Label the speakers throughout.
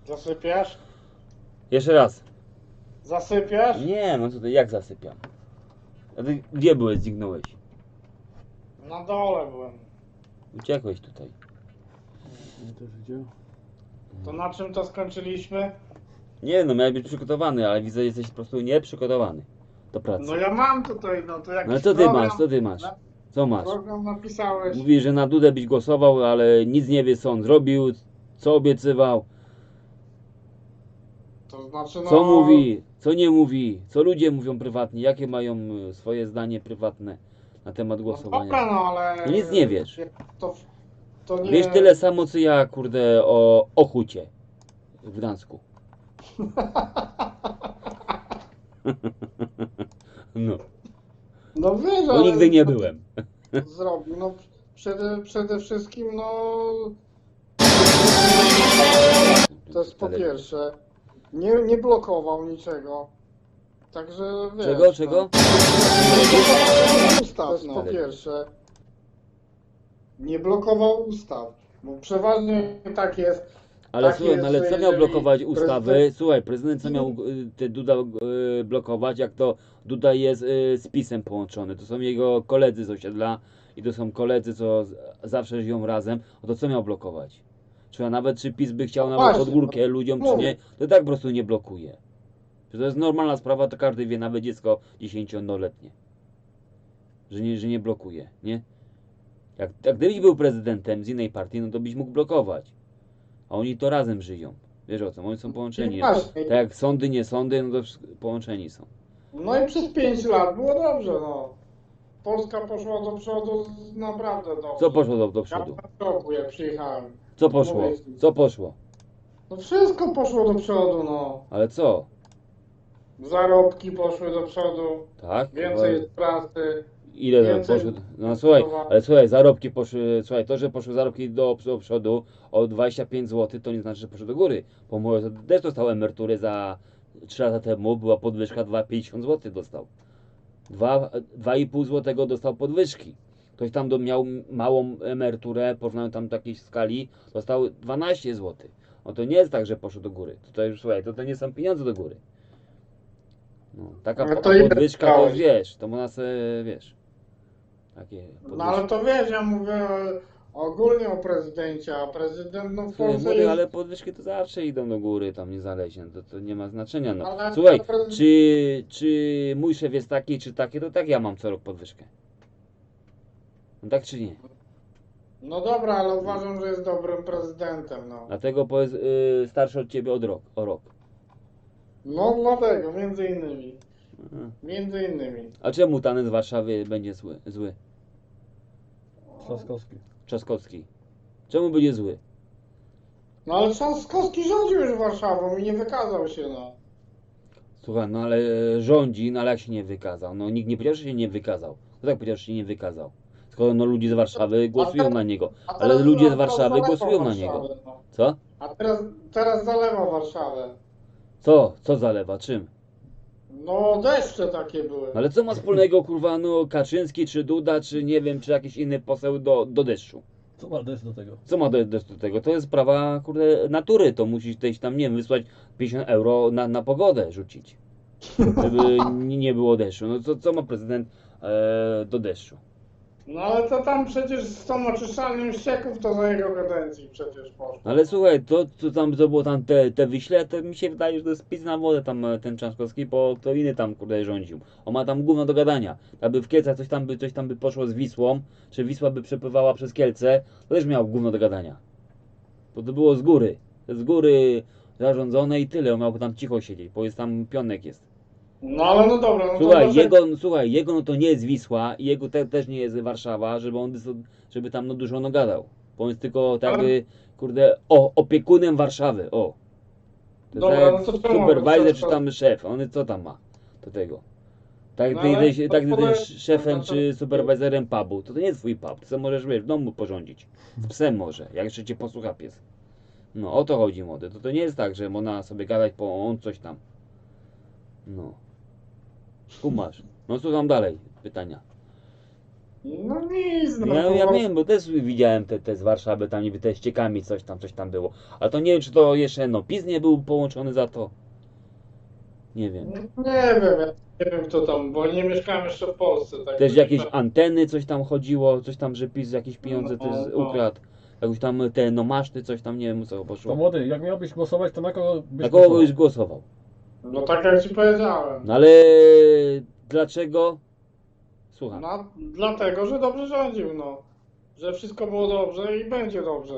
Speaker 1: Zasypiasz?
Speaker 2: Jeszcze raz.
Speaker 1: Zasypiasz?
Speaker 2: Nie, no tutaj jak zasypiam? A ty gdzie byłeś, zniknąłeś?
Speaker 1: Na dole byłem.
Speaker 2: Uciekłeś tutaj.
Speaker 3: Ja też widział.
Speaker 1: To na czym to skończyliśmy?
Speaker 2: Nie no, miałeś być przygotowany, ale widzę, że jesteś po prostu nieprzygotowany do pracy.
Speaker 1: No ja mam tutaj, no to jakiś
Speaker 2: No ale co ty
Speaker 1: program,
Speaker 2: masz, co ty masz?
Speaker 1: na-
Speaker 2: Co masz?
Speaker 1: Program napisałeś.
Speaker 2: Mówi, że na Dudę byś głosował, ale nic nie wie, co on zrobił, co obiecywał,
Speaker 1: To znaczy no...
Speaker 2: co mówi, co nie mówi, co ludzie mówią prywatnie, jakie mają swoje zdanie prywatne na temat
Speaker 1: No
Speaker 2: głosowania.
Speaker 1: dobra, no ale...
Speaker 2: No nic nie wiesz.
Speaker 1: To nie...
Speaker 2: Wiesz tyle samo, co ja, kurde, o Ochucie w Gdańsku. No,
Speaker 1: No wiesz,
Speaker 2: bo
Speaker 1: ale
Speaker 2: nigdy nie byłem.
Speaker 1: Zrobił, no przede wszystkim, no... To jest po pierwsze. Nie blokował niczego. Także wiesz...
Speaker 2: Czego, czego?
Speaker 1: No, ustaw, to jest po
Speaker 2: Ale-
Speaker 1: pierwsze. Nie blokował ustaw. Bo przeważnie tak jest.
Speaker 2: Ale
Speaker 1: Tak
Speaker 2: słuchaj,
Speaker 1: jest,
Speaker 2: no ale
Speaker 1: że
Speaker 2: co miał
Speaker 1: jeżeli
Speaker 2: blokować ustawy?
Speaker 1: prezydent-
Speaker 2: Słuchaj, prezydent co miał te Duda blokować, jak to Duda jest z PiS-em połączony. To są jego koledzy z osiedla i to są koledzy, co zawsze żyją razem. O to co miał blokować? Czy nawet czy PiS by chciał
Speaker 1: No
Speaker 2: nawet
Speaker 1: właśnie,
Speaker 2: pod górkę ludziom, czy
Speaker 1: mówię.
Speaker 2: nie, to tak po prostu nie blokuje. Że to jest normalna sprawa, to każdy wie, nawet dziecko 10-letnie. Że nie blokuje, nie? Jak gdybyś był prezydentem z innej partii, no to byś mógł blokować. A oni to razem żyją. Wiesz o co? Oni są połączeni.
Speaker 1: Właśnie.
Speaker 2: Tak jak sądy, nie sądy, no to połączeni są.
Speaker 1: No i przez 5 lat było dobrze, no. Polska poszła do przodu naprawdę dobrze.
Speaker 2: Co poszło do
Speaker 1: Ja
Speaker 2: przodu?
Speaker 1: w roku jak przyjechałem.
Speaker 2: Co poszło?
Speaker 1: Mówię ci.
Speaker 2: Co poszło?
Speaker 1: No wszystko poszło do przodu, no.
Speaker 2: Ale co?
Speaker 1: Zarobki poszły do przodu.
Speaker 2: Tak?
Speaker 1: Więcej jest pracy.
Speaker 2: Ile
Speaker 1: więcej
Speaker 2: poszło? No słuchaj,
Speaker 1: budowa-
Speaker 2: ale słuchaj, zarobki poszły, słuchaj, to, że poszły zarobki do przodu o 25 zł, to nie znaczy, że poszły do góry. Bo może też dostał emeryturę za 3 lata temu, była podwyżka 2,50 zł dostał. 2,5 zł dostał podwyżki. Ktoś tam miał małą emeryturę, porównałem tam do jakiejś skali, dostał 12 zł. No to nie jest tak, że poszło do góry. To już słuchaj, to nie są pieniądze do góry. No, taka
Speaker 1: Ale to ile
Speaker 2: podwyżka to już
Speaker 1: dostałeś?
Speaker 2: wiesz, to można sobie, wiesz, takie
Speaker 1: No ale to wiesz, ja mówię ogólnie o prezydencie, a prezydent no w
Speaker 2: Słuchaj,
Speaker 1: Polsce
Speaker 2: młody,
Speaker 1: jest...
Speaker 2: ale podwyżki to zawsze idą do góry, tam niezależnie, to nie ma znaczenia, no.
Speaker 1: Ale-
Speaker 2: Słuchaj,
Speaker 1: ale-
Speaker 2: czy mój szef jest taki, czy taki, to tak ja mam co rok podwyżkę. No tak czy nie?
Speaker 1: No dobra, ale uważam, że jest dobrym prezydentem, no.
Speaker 2: Dlatego jest starszy od ciebie o rok.
Speaker 1: No dlatego, między innymi.
Speaker 2: Aha.
Speaker 1: Między innymi.
Speaker 2: A czemu ten z Warszawy będzie zły?
Speaker 3: Trzaskowski.
Speaker 2: Trzaskowski. Czemu będzie zły?
Speaker 1: No ale Trzaskowski rządził już Warszawą i nie wykazał się, no.
Speaker 2: Słuchaj, no ale rządzi, no ale jak się nie wykazał? No nikt nie powiedział, że się nie wykazał. Kto tak powiedział, że się nie wykazał? Skoro no ludzie z Warszawy głosują na niego.
Speaker 1: A
Speaker 2: Ale
Speaker 1: teraz
Speaker 2: ludzie z
Speaker 1: teraz
Speaker 2: Warszawy
Speaker 1: zalewa
Speaker 2: głosują na
Speaker 1: Warszawę,
Speaker 2: niego.
Speaker 1: no.
Speaker 2: Co?
Speaker 1: A teraz zalewa Warszawę.
Speaker 2: Co zalewa? Czym?
Speaker 1: No deszcze takie były.
Speaker 2: No ale co ma wspólnego, kurwa, no Kaczyński, czy Duda, czy nie wiem, czy jakiś inny poseł do deszczu?
Speaker 3: Co ma deszcz do tego?
Speaker 2: Co ma do tego? To jest sprawa, kurde, natury. To musisz też tam, nie wiem, wysłać 50 euro na pogodę rzucić. Żeby nie było deszczu. No co ma prezydent do deszczu?
Speaker 1: No ale to tam przecież z tą oczyszczalnią ścieków to za jego kadencji przecież poszło.
Speaker 2: No ale słuchaj, to było tam te Wiśle, to mi się wydaje, że to jest pis na wodę tam ten Trzaskowski, bo kto inny tam, kurde, rządził. On ma tam gówno do gadania. Aby w Kielcach coś tam by poszło z Wisłą, czy Wisła by przepływała przez Kielce, to też miał gówno do gadania. Bo to było z góry zarządzone i tyle, on miał tam cicho siedzieć, bo jest tam pionek jest.
Speaker 1: No ale no dobra, no
Speaker 2: Słuchaj,
Speaker 1: to
Speaker 2: jego no to nie jest Wisła i jego też nie jest Warszawa, żeby tam no dużo no gadał. Bo on jest tylko tak jakby, kurde, opiekunem Warszawy, o. To
Speaker 1: Dobra,
Speaker 2: jest
Speaker 1: no
Speaker 2: jak
Speaker 1: to czemu
Speaker 2: supervisor
Speaker 1: to-
Speaker 2: czy tam szef, on co tam ma do tego. Tak
Speaker 1: No
Speaker 2: ty
Speaker 1: ale
Speaker 2: jesteś,
Speaker 1: to
Speaker 2: tak ty
Speaker 1: powiem-
Speaker 2: jesteś szefem
Speaker 1: to-
Speaker 2: czy supervisorem pubu, to nie jest twój pub, ty sobie możesz, wiesz, w domu porządzić. Z psem może, jak jeszcze cię posłucha pies. No o to chodzi, młody, to nie jest tak, że można sobie gadać po on coś tam. No. Kumasz. No słucham dalej pytania.
Speaker 1: No nic, no
Speaker 2: Ja
Speaker 1: to-
Speaker 2: wiem, bo też widziałem te z Warszawy, tam niby te ściekami coś tam było. Ale to nie wiem, czy to jeszcze, no, PiS nie był połączony za to. Nie wiem.
Speaker 1: Nie wiem, ja nie wiem kto tam, bo nie mieszkałem jeszcze w Polsce. Tak
Speaker 2: Też
Speaker 1: to
Speaker 2: jakieś
Speaker 1: nie-
Speaker 2: anteny, coś tam chodziło, coś tam, że PiS jakieś pieniądze
Speaker 1: No,
Speaker 2: też
Speaker 1: no.
Speaker 2: ukradł. Jakoś tam te no maszty, coś tam, nie wiem o co
Speaker 3: To
Speaker 2: poszło.
Speaker 3: młody, jak miałbyś głosować, to na kogo byś
Speaker 2: Na kogo
Speaker 3: głosował?
Speaker 2: byś głosował?
Speaker 1: No tak jak ci powiedziałem.
Speaker 2: No ale dlaczego? Słucham.
Speaker 1: No, dlatego, że dobrze rządził, no. Że wszystko było dobrze i będzie dobrze.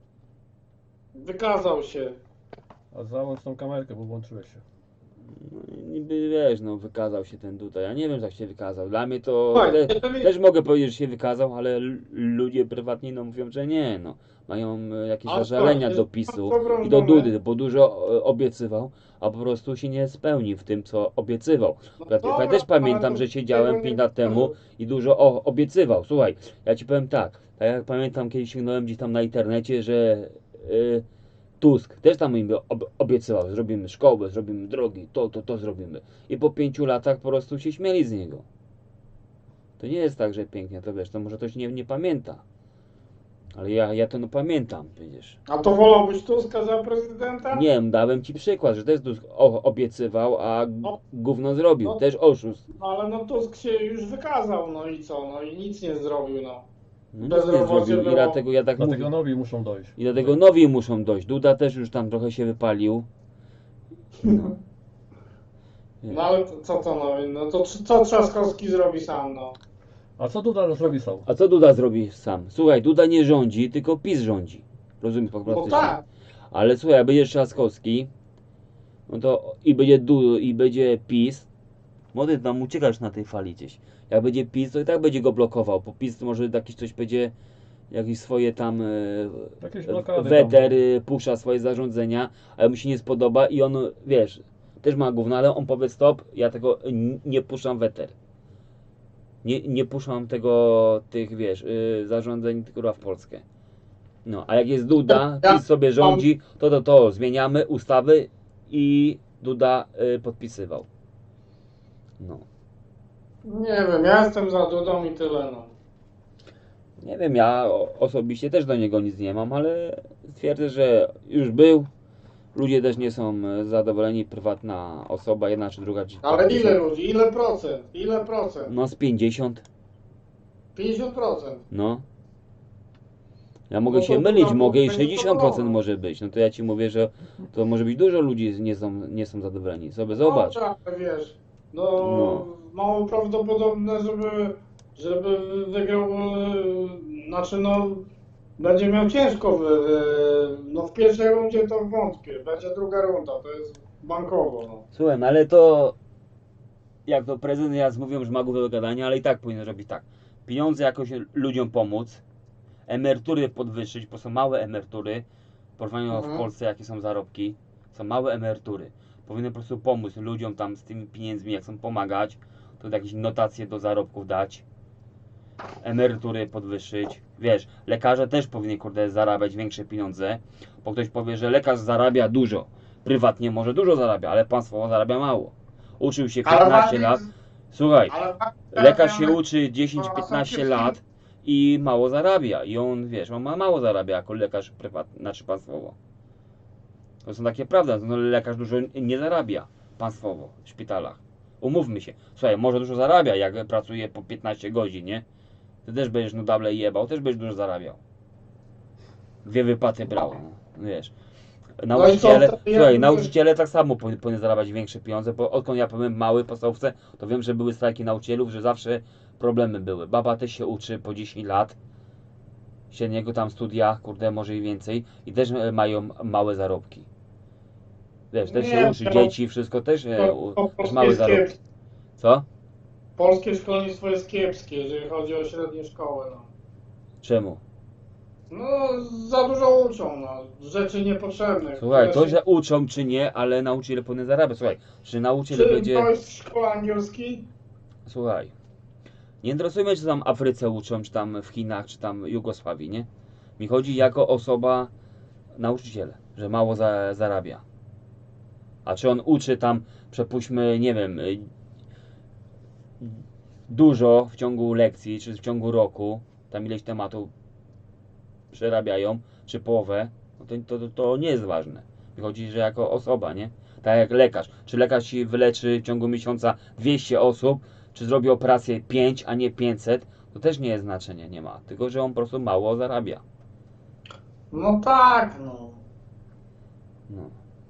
Speaker 1: Wykazał się.
Speaker 3: A załącz tą kamerkę, bo włączyłeś się.
Speaker 2: No, niby wiesz, no wykazał się ten tutaj. Ja nie wiem, jak się wykazał. Dla mnie to
Speaker 1: Słuchaj,
Speaker 2: też mogę powiedzieć, że się wykazał, ale ludzie prywatni no mówią, że nie, no. Mają jakieś
Speaker 1: Ale
Speaker 2: zażalenia
Speaker 1: słuchaj,
Speaker 2: do
Speaker 1: jest
Speaker 2: PiS-u
Speaker 1: dobrą
Speaker 2: i do
Speaker 1: żonę.
Speaker 2: Dudy, bo dużo obiecywał, a po prostu się nie spełnił w tym, co obiecywał.
Speaker 1: No
Speaker 2: Ja
Speaker 1: dobra,
Speaker 2: też pamiętam,
Speaker 1: ale to
Speaker 2: że siedziałem
Speaker 1: tego
Speaker 2: 5
Speaker 1: nie
Speaker 2: lat temu i dużo obiecywał. Słuchaj, ja ci powiem tak jak pamiętam, kiedyś sięgnąłem gdzieś tam na internecie, że Tusk też tam im obiecywał, zrobimy szkołę, zrobimy drogi, to zrobimy. I po 5 latach po prostu się śmieli z niego. To nie jest tak, że pięknie, to wiesz, to może ktoś nie pamięta. Ale ja to no pamiętam, widzisz.
Speaker 1: A to wolałbyś Tuska za prezydenta?
Speaker 2: Nie wiem, dałem ci przykład, że też Tusk obiecywał, a gówno zrobił.
Speaker 1: No.
Speaker 2: Też oszust.
Speaker 1: No ale no Tusk się już wykazał, no i co? No i nic nie zrobił, no.
Speaker 2: No nic nie
Speaker 1: Bezrobocie
Speaker 2: zrobił i
Speaker 1: było.
Speaker 2: dlatego ja tak
Speaker 3: Dlatego
Speaker 2: mówię.
Speaker 3: nowi muszą dojść.
Speaker 2: I dlatego nowi muszą dojść. Duda też już tam trochę się wypalił. No.
Speaker 1: No ale co to no? No to co Trzaskowski zrobi sam, no?
Speaker 3: A co Duda zrobi sam?
Speaker 2: A co Duda zrobi sam? Słuchaj, Duda nie rządzi, tylko PiS rządzi. Rozumiesz po
Speaker 1: No
Speaker 2: prostu?
Speaker 1: tak.
Speaker 2: Ale słuchaj, jak będzie Trzaskowski, no to i będzie PiS, młody tam uciekasz na tej fali gdzieś. Jak będzie PiS, to i tak będzie go blokował, bo PiS to może jakiś coś będzie, jakieś swoje tam
Speaker 3: Jakieś blokady
Speaker 2: weter puszcza swoje zarządzenia, ale mu się nie spodoba i on, wiesz, też ma gówno, ale on powie stop, ja tego nie puszczam weter. Nie puszczam tych, wiesz, zarządzeń kurwa w Polskę. No, a jak jest Duda, PiS sobie rządzi, to zmieniamy ustawy i Duda podpisywał. No.
Speaker 1: Nie wiem, ja jestem za Dudą i tyle, no.
Speaker 2: Nie wiem, ja osobiście też do niego nic nie mam, ale twierdzę, że już był. Ludzie też nie są zadowoleni, prywatna osoba, jedna czy druga. Czy
Speaker 1: Ale
Speaker 2: tam
Speaker 1: ile
Speaker 2: są-
Speaker 1: ludzi? Ile procent? Ile procent?
Speaker 2: No z 50,
Speaker 1: 50%.
Speaker 2: no. Ja mogę
Speaker 1: No to
Speaker 2: się mylić,
Speaker 1: Duda
Speaker 2: mogę i
Speaker 1: będzie
Speaker 2: 60%
Speaker 1: zadowolona.
Speaker 2: może być. No to ja ci mówię, że to może być dużo ludzi nie są zadowoleni. Sobie zobacz.
Speaker 1: No, tak, wiesz, no,
Speaker 2: No.
Speaker 1: mało prawdopodobne, żeby wygrał, znaczy no, będzie miał ciężko, no w pierwszej rundzie to wątpię, będzie druga runda, to jest bankowo, no.
Speaker 2: Słuchaj, no ale to jak to prezydent raz mówią, że ma głowę do gadania, ale i tak powinien robić tak. Pieniądze jakoś ludziom pomóc, emerytury podwyższyć, bo są małe emerytury, w porównaniu w
Speaker 1: Mhm.
Speaker 2: Polsce jakie są zarobki, są małe emerytury. Powinien po prostu pomóc ludziom tam z tymi pieniędzmi, jak chcą pomagać, to jakieś notacje do zarobków dać, emerytury podwyższyć. Wiesz, lekarze też powinni kurde zarabiać większe pieniądze, bo ktoś powie, że lekarz zarabia dużo, prywatnie może dużo zarabia, ale państwowo zarabia mało. Uczył się 15 lat, słuchaj,
Speaker 1: ale
Speaker 2: lekarz się uczy
Speaker 1: to
Speaker 2: 10-15
Speaker 1: są
Speaker 2: lat i mało zarabia. I on, wiesz, on ma mało zarabia jako lekarz prywatny, znaczy państwowo. To są takie prawda, no lekarz dużo nie zarabia państwowo w szpitalach. Umówmy się. Słuchaj, może dużo zarabia, jak pracuje po 15 godzin, nie? Ty też będziesz nudable jebał, też będziesz dużo zarabiał. 2 wypłaty brał, no, wiesz. Nauczyciele,
Speaker 1: No i co, to ja
Speaker 2: słuchaj,
Speaker 1: bym-
Speaker 2: nauczyciele tak samo powinny zarabiać większe pieniądze, bo odkąd ja byłem mały w podstawówce, to wiem, że były strajki nauczycielów, że zawsze problemy były. Baba też się uczy po 10 lat, średniego tam studia, kurde, może i więcej, i też mają małe zarobki. Wiesz, też się
Speaker 1: Nie,
Speaker 2: uczy,
Speaker 1: to-
Speaker 2: dzieci, wszystko też
Speaker 1: To
Speaker 2: też
Speaker 1: polskie
Speaker 2: małe
Speaker 1: jest
Speaker 2: zarobki.
Speaker 1: kiepskie.
Speaker 2: Co?
Speaker 1: Polskie szkolnictwo jest kiepskie, jeżeli chodzi o średnie szkoły, no.
Speaker 2: Czemu?
Speaker 1: No, za dużo uczą, no, rzeczy niepotrzebnych.
Speaker 2: Słuchaj,
Speaker 1: które
Speaker 2: to,
Speaker 1: się-
Speaker 2: że uczą czy nie, ale nauczyciel powinien zarabiać. Słuchaj, czy nauczyciel
Speaker 1: Czy
Speaker 2: będzie...
Speaker 1: to jest szkoła angielski?
Speaker 2: Słuchaj, nie interesuje mnie, czy tam w Afryce uczą, czy tam w Chinach, czy tam w Jugosławii, nie? Mi chodzi jako osoba, nauczyciel, że mało zarabia. A czy on uczy tam, przepuśćmy, nie wiem, dużo w ciągu lekcji, czy w ciągu roku, tam ileś tematów przerabiają, czy połowę, no to nie jest ważne. Wychodzi, że jako osoba, nie? Tak jak lekarz. Czy lekarz ci wyleczy w ciągu miesiąca 200 osób, czy zrobi operację 5, a nie 500, to też nie jest znaczenia, nie ma. Tylko, że on po prostu mało zarabia.
Speaker 1: No tak, no.
Speaker 2: No.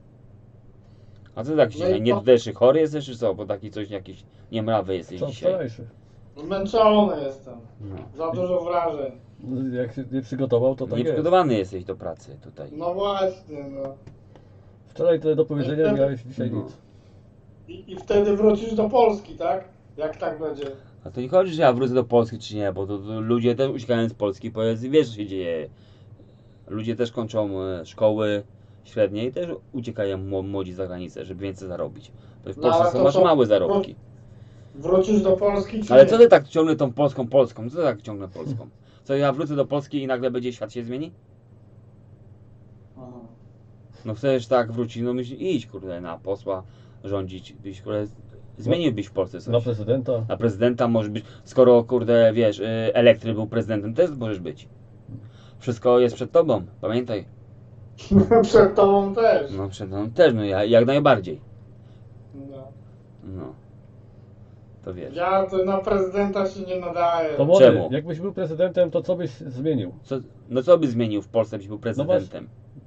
Speaker 2: A co tak
Speaker 1: No
Speaker 2: dzisiaj?
Speaker 1: i
Speaker 2: Nie
Speaker 1: to-
Speaker 2: tutaj chory jesteś, czy co? Bo taki coś jakiś niemrawy jesteś
Speaker 3: Co
Speaker 2: dzisiaj.
Speaker 3: wczorajszy?
Speaker 1: Zmęczony jestem.
Speaker 2: No.
Speaker 1: Za dużo wrażeń.
Speaker 3: No, jak się nie przygotował, to tak jest.
Speaker 2: Nieprzygotowany jesteś do pracy tutaj.
Speaker 1: No właśnie, no.
Speaker 3: Wczoraj tyle do powiedzenia, miałeś dzisiaj
Speaker 2: No.
Speaker 3: nic.
Speaker 1: I wtedy wrócisz do Polski, tak? Jak tak będzie?
Speaker 2: A to nie chodzi, że ja wrócę do Polski czy nie, bo to ludzie też uciekają z Polski, powiedz, wiesz co się dzieje. Ludzie też kończą szkoły średnie i też uciekają młodzi za granicę, żeby więcej zarobić. To w
Speaker 1: No,
Speaker 2: Polsce
Speaker 1: ale
Speaker 2: są
Speaker 1: to
Speaker 2: masz
Speaker 1: co?
Speaker 2: małe zarobki.
Speaker 1: Wrócisz do Polski czy
Speaker 2: Ale
Speaker 1: nie?
Speaker 2: co ty tak ciągle tą Polską? Co ty tak ciągle Polską? Co ja wrócę do Polski i nagle będzie świat się zmieni?
Speaker 1: Aha.
Speaker 2: No chcesz tak wrócić, no myśl, idź kurde na posła rządzić, byś kurde zmieniłbyś w Polsce coś.
Speaker 3: Na prezydenta.
Speaker 2: Na prezydenta może być, skoro kurde wiesz, Elektry był prezydentem, też możesz być. Wszystko jest przed tobą, pamiętaj.
Speaker 1: Przed tobą też.
Speaker 2: No przed tobą też, no jak najbardziej.
Speaker 1: No.
Speaker 2: No. To wiesz.
Speaker 1: Ja to na prezydenta się nie nadaję.
Speaker 3: To młody,
Speaker 2: Czemu?
Speaker 3: jakbyś był prezydentem, to co byś zmienił?
Speaker 2: Co by zmienił w Polsce, byś był prezydentem?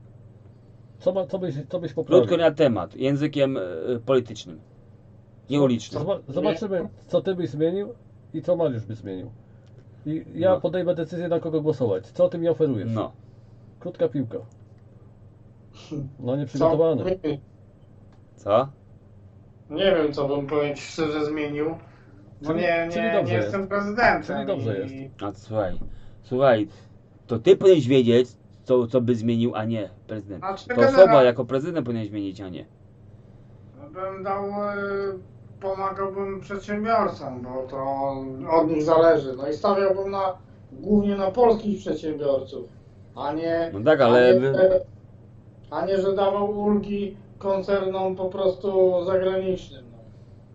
Speaker 3: Co byś poprawił?
Speaker 2: Krótko na temat, językiem politycznym. Nie ulicznym.
Speaker 3: Zobaczymy, co ty byś zmienił i co Mariusz by zmienił. I ja
Speaker 2: No.
Speaker 3: podejmę decyzję, na kogo głosować. Co ty mi oferujesz?
Speaker 2: No.
Speaker 3: Krótka piłka. No
Speaker 1: Co?
Speaker 3: nieprzygotowany.
Speaker 2: Co?
Speaker 1: Nie wiem, co bym powiem ci szczerze zmienił. Bo
Speaker 3: Czyli-
Speaker 1: nie,
Speaker 3: czyli
Speaker 1: nie,
Speaker 3: dobrze
Speaker 1: nie
Speaker 3: jest.
Speaker 1: jestem prezydentem.
Speaker 3: Czyli dobrze
Speaker 1: i-
Speaker 3: jest.
Speaker 2: A to słuchaj, to ty powinieneś wiedzieć, co by zmienił, a nie prezydent.
Speaker 1: Znaczy,
Speaker 2: To
Speaker 1: generalnie-
Speaker 2: osoba jako prezydent powinien zmienić, a nie.
Speaker 1: Bym dał, pomagałbym przedsiębiorcom, bo to od nich zależy. No i stawiałbym głównie na polskich przedsiębiorców, a nie,
Speaker 2: No tak, ale
Speaker 1: a nie, że dawał ulgi koncernom po prostu zagranicznym. No.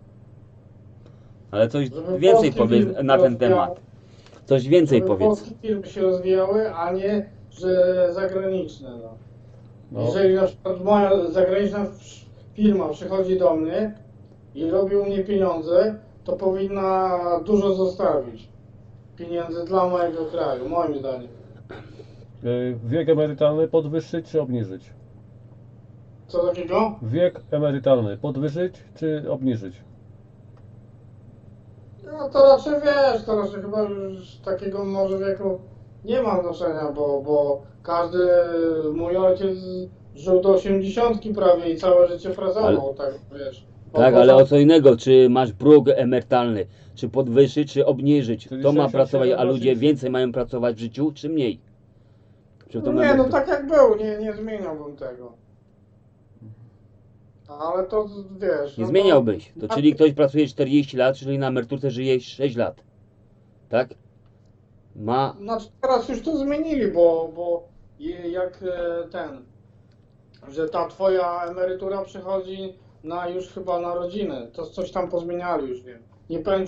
Speaker 2: Ale coś
Speaker 1: Żeby
Speaker 2: więcej
Speaker 1: polskie
Speaker 2: powiedz
Speaker 1: firmy
Speaker 2: na ten
Speaker 1: rozwijały-
Speaker 2: temat. Coś więcej
Speaker 1: Żeby
Speaker 2: powiedz.
Speaker 1: polskie firmy się rozwijały, a nie, że zagraniczne. No.
Speaker 3: No.
Speaker 1: Jeżeli na przykład moja zagraniczna firma przychodzi do mnie i robi u mnie pieniądze, to powinna dużo zostawić pieniędzy dla mojego kraju, moim zdaniem.
Speaker 3: Wiek emerytalny podwyższyć czy obniżyć?
Speaker 1: Co takiego?
Speaker 3: Wiek emerytalny podwyższyć czy obniżyć?
Speaker 1: No to raczej wiesz, to raczej chyba już takiego może wieku nie ma znaczenia, bo każdy, mój ojciec żył do 80 prawie i całe życie pracował, tak wiesz.
Speaker 2: Tak, ale o co innego, czy masz próg emerytalny, czy podwyższyć, czy obniżyć.
Speaker 3: Czyli
Speaker 2: Kto ma
Speaker 3: 67
Speaker 2: pracować, a ludzie
Speaker 3: rocznic.
Speaker 2: więcej mają pracować w życiu, czy mniej? Czy to
Speaker 1: Nie, no
Speaker 2: emerytur-
Speaker 1: tak jak był, nie zmieniałbym tego. Ale to wiesz.
Speaker 2: Nie
Speaker 1: no
Speaker 2: zmieniałbyś. To czyli ktoś pracuje 40 lat, czyli na emeryturce żyje 6 lat. Tak? Ma.
Speaker 1: Znaczy teraz już to zmienili, bo jak że ta twoja emerytura przychodzi już chyba na rodzinę, to coś tam pozmieniali już wiem. Nie powiem